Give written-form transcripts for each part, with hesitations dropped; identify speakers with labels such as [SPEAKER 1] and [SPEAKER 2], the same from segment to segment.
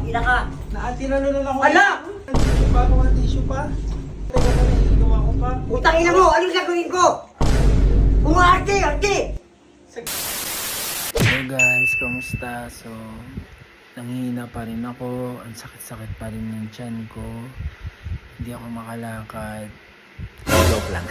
[SPEAKER 1] ina ka.
[SPEAKER 2] Tinalo na lang ako.
[SPEAKER 1] Ala!
[SPEAKER 2] Tissue pa ako, tissue pa. Teka pa, nahihilo ako pa.
[SPEAKER 1] Putang ina mo, anong gagawin ko? Umarte, arte!
[SPEAKER 3] Hello guys, kamusta? So, nanghihina pa rin ako. Ang sakit-sakit pa rin ng tiyan ko. Hindi ako makalakad. Joke lang.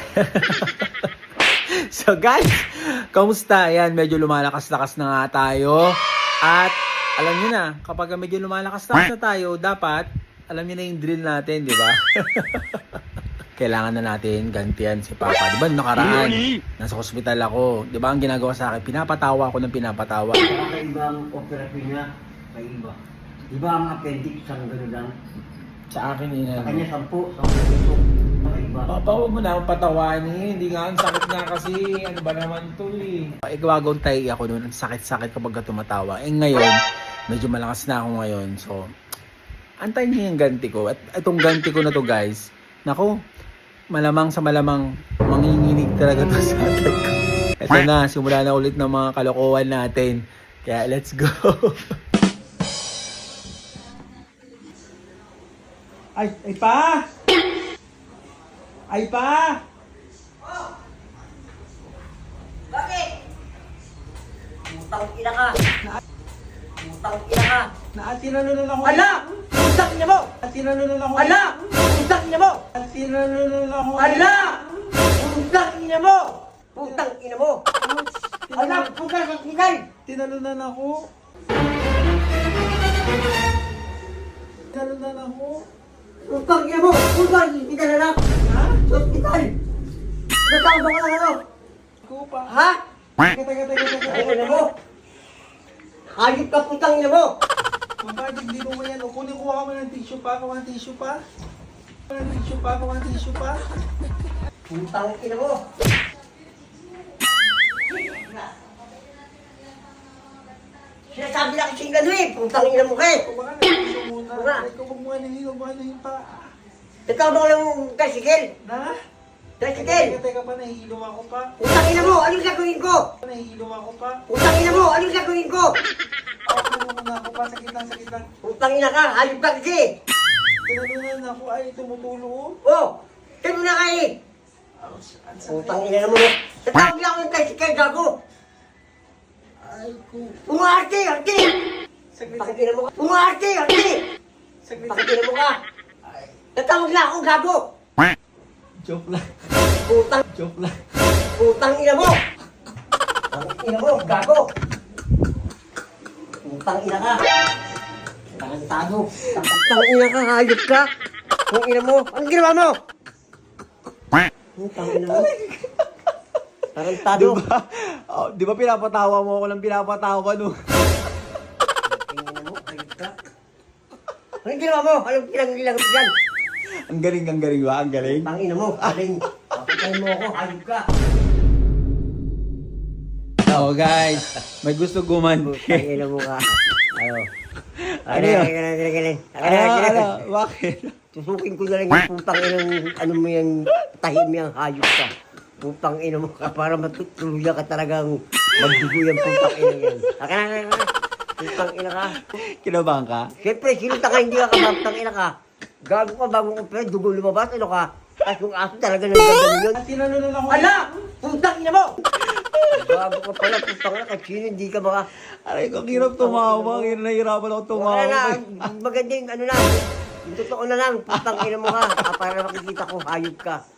[SPEAKER 3] So guys, kamusta? Ayan, medyo lumalakas-lakas na nga tayo. At alam niyo na, kapag medyo lumalakas-lakas na tayo, dapat alam niyo na yung drill natin, di ba? Kailangan na natin gantian si Papa. Di ba nakaraan, nasa hospital ako. Di ba ang ginagawa sa akin? Pinapatawa ako ng pinapatawa.
[SPEAKER 1] Kakaiba ang operasyon niya. Kaiba. Di ba ang appendix ang gano'n lang?
[SPEAKER 3] Sa akin,
[SPEAKER 1] Sa kanya 10 piso. Kaiba.
[SPEAKER 3] Papa, huwag mo na akong patawanin. Hindi nga, ang sakit nga kasi. Ano ba naman to eh. Igwagong tayo ako noon. Ang sakit-sakit kapag tumatawa. Eh ngayon, medyo malakas na ako ngayon. So, antayin niyo yung ganti ko. At itong ganti ko na to guys, naku, malamang sa malamang manginginig talaga to sa akin ko. Ito na, simula na ulit ng mga kalokohan natin. Kaya let's go.
[SPEAKER 2] Ay pa! Ay pa!
[SPEAKER 1] Bakit? Putang ina ka. Putang ina ka.
[SPEAKER 2] Tinalo na lang ako.
[SPEAKER 1] Ala! Putang ina mo!
[SPEAKER 2] Tinalo na lang ako.
[SPEAKER 1] Ala! Putang ina mo!
[SPEAKER 2] Tinalo na lang ako.
[SPEAKER 1] Ala! Putang ina mo! Putang ina mo! Ala! Putang ina!
[SPEAKER 2] Tinalo na lang ako. Tinalo na lang ako.
[SPEAKER 1] Putang ina mo! Putang ina na lang!
[SPEAKER 2] Ha?
[SPEAKER 1] Hospital! Natawag ako ng ano?
[SPEAKER 2] Ako pa.
[SPEAKER 1] Ha?
[SPEAKER 2] Teka.
[SPEAKER 1] Ay, ina mo! Hayop ka putang ina mo!
[SPEAKER 2] Bakit hindi mo yan? O kunin ko ako ng tissue pa. Ako ng tissue pa. Ng tissue pa. Ako ng tissue pa.
[SPEAKER 1] Putang ina mo! Sinasabi na kasi gano'n eh! Putang ina mo ka eh!
[SPEAKER 2] Kung baka nahihilo muna.
[SPEAKER 1] Wala.
[SPEAKER 2] Ikaw kung muna nahihilo, baka nahihilo pa.
[SPEAKER 1] Natawag ako ng tricycle!
[SPEAKER 2] Na?
[SPEAKER 1] Tricycle!
[SPEAKER 2] Teka pa, nahihilo ako pa.
[SPEAKER 1] Putang ina mo! Anong gagawin ko?
[SPEAKER 2] Nahihilo ako pa.
[SPEAKER 1] Putang ina mo! Anong gagawin ko?
[SPEAKER 2] Ako muna ako pa. Sakit lang.
[SPEAKER 1] Putang ina ka! Hayop ka kasi!
[SPEAKER 2] Tinalunan ako. Ay, tumutulo.
[SPEAKER 1] Oh! Kaya mo na ka eh!
[SPEAKER 2] Ang sakit.
[SPEAKER 1] Putang ina mo! Natawag lang ako ng tricycle, gago!
[SPEAKER 2] Ay, ko.
[SPEAKER 1] Umarte! Arte!
[SPEAKER 2] Saglit.
[SPEAKER 1] Putang ina mo ka! Umarte! Arte!
[SPEAKER 2] Saglit.
[SPEAKER 1] Putang ina mo ka! Natawag lang ako, gago!
[SPEAKER 2] Joke lang.
[SPEAKER 1] Putang ina mo! Putang ina mo, gago! Putang ina ka! Tarantado! Putang ina ka, hayop ka! Putang ina mo! Anong ginawa mo? Putang ina mo! Tarantado!
[SPEAKER 3] Diba? Oh, di ba pinapatawa mo ako ng pinapatawa no?
[SPEAKER 1] Putang ina mo, hayop ka! Anong ginawa mo? Anong pinag-ilang mo dyan?
[SPEAKER 3] Ang galing ba? Ang galing.
[SPEAKER 1] Putang ina mo, aling! Papatay mo ako, hayop ka!
[SPEAKER 3] Oh guys, may gusto
[SPEAKER 1] Putang
[SPEAKER 3] gumanti.
[SPEAKER 1] ina mo ka! Ano?
[SPEAKER 3] Ano yun?
[SPEAKER 1] Ano?
[SPEAKER 3] Bakit?
[SPEAKER 1] Tusukin ko na lang yung putang inang ano mo yung tahim yung hayop ka. Putang ina mo ka para matutuluyan ka talagang magdugo yung putang ina yan. Akin na. Putang ina ka.
[SPEAKER 3] Kinabahan ka?
[SPEAKER 1] Siyempre, sinunta ka hindi ka kabagtang ina ka. Gago ka bagong opera, dugo lumabas, ano ka? Tapos yung aso talaga nanggaganon yun.
[SPEAKER 2] Tinalo na lang ako.
[SPEAKER 1] Ala! Putang ina mo! Gago ka pala, putang ina, kahit sino hindi ka baka...
[SPEAKER 3] Aray ko, hirap tumawa. Nahihirapan ako tumawa.
[SPEAKER 1] Wala na, maganda yung ano na. Yung totoo na lang, putang ina mo ka. Para makikita ko, hayop ka.